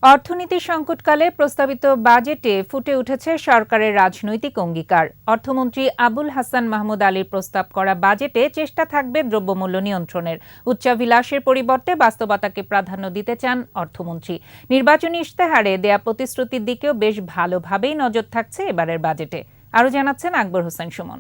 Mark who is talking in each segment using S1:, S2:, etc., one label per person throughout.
S1: অর্থনীতি সংকটকালে প্রস্তাবিত বাজেটে ফুটে উঠেছে সরকারের রাজনৈতিক অঙ্গীকার। অর্থমন্ত্রী আবুল হাসান মাহমুদ আলীর প্রস্তাব করা বাজেটে চেষ্টা থাকবে দ্রব্যমূল্য নিয়ন্ত্রণের। উচ্চাভিলাষের পরিবর্তে বাস্তবতাকে প্রাধান্য দিতে চান অর্থমন্ত্রী। নির্বাচনী ইশতেহারে দেয়া প্রতিশ্রুতির দিকেও বেশ ভালোভাবেই নজর থাকছে এবারের বাজেটে। আরও জানাচ্ছেন আকবর হোসেন সুমন।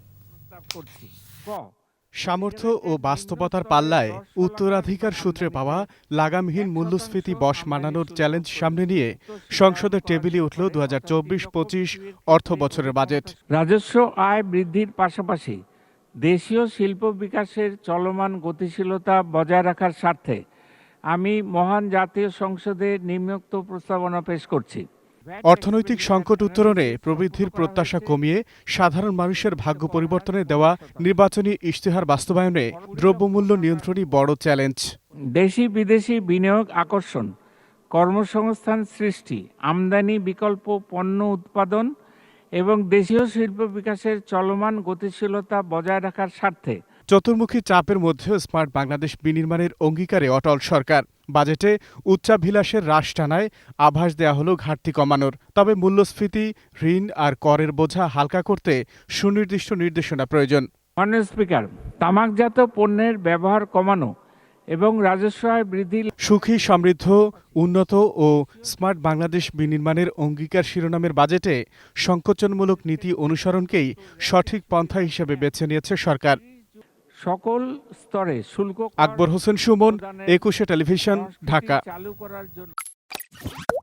S2: সামর্থ্য ও বাস্তবতার পাল্লায় উত্তরাধিকার সূত্রে পাওয়া লাগামহীন মূল্যস্ফীতি বশ মানানোর চ্যালেঞ্জ সামনে নিয়ে সংসদের টেবিলে উঠল ২০২৪-২৫ অর্থ বছরের বাজেট।
S3: রাজস্ব আয় বৃদ্ধির পাশাপাশি দেশীয় শিল্প বিকাশের চলমান গতিশীলতা বজায় রাখার স্বার্থে আমি মহান জাতীয় সংসদে নিম্নোক্ত প্রস্তাবনা পেশ করছি।
S2: অর্থনৈতিক সংকট উত্তরণে প্রবৃদ্ধির প্রত্যাশা কমিয়ে সাধারণ মানুষের ভাগ্য পরিবর্তনে দেওয়া নির্বাচনী ইশতেহার বাস্তবায়নে দ্রব্যমূল্য নিয়ন্ত্রণই বড় চ্যালেঞ্জ।
S3: দেশি বিদেশি বিনিয়োগ আকর্ষণ, কর্মসংস্থান সৃষ্টি, আমদানি বিকল্প পণ্য উৎপাদন এবং দেশীয় শিল্প বিকাশের চলমান গতিশীলতা বজায় রাখার স্বার্থে
S2: চতুর্মুখী চাপের মধ্যেও স্মার্ট বাংলাদেশ বিনির্মাণের অঙ্গীকারে অটল সরকার। বাজেটে উচ্চাভিলাষের হ্রাস টানায় আভাস দেয়া হলো ঘাটতি কমানোর। তবে মূল্যস্ফীতি, ঋণ আর করের বোঝা হালকা করতে সুনির্দিষ্ট নির্দেশনা প্রয়োজন।
S3: মাননীয় স্পিকার, তামাকজাত পণ্যের ব্যবহার কমানো এবং রাজস্ব আয় বৃদ্ধি।
S2: সুখী, সমৃদ্ধ, উন্নত ও স্মার্ট বাংলাদেশ বিনির্মাণের অঙ্গীকার শিরোনামের বাজেটে সংকোচনমূলক নীতি অনুসরণকেই সঠিক পন্থা হিসেবে বেছে নিয়েছে সরকার।
S3: সকল স্তরে শুল্ক
S2: আকবর হোসেন সুমন, ২১ টেলিভিশন, ঢাকা।
S3: চালু করার জন্য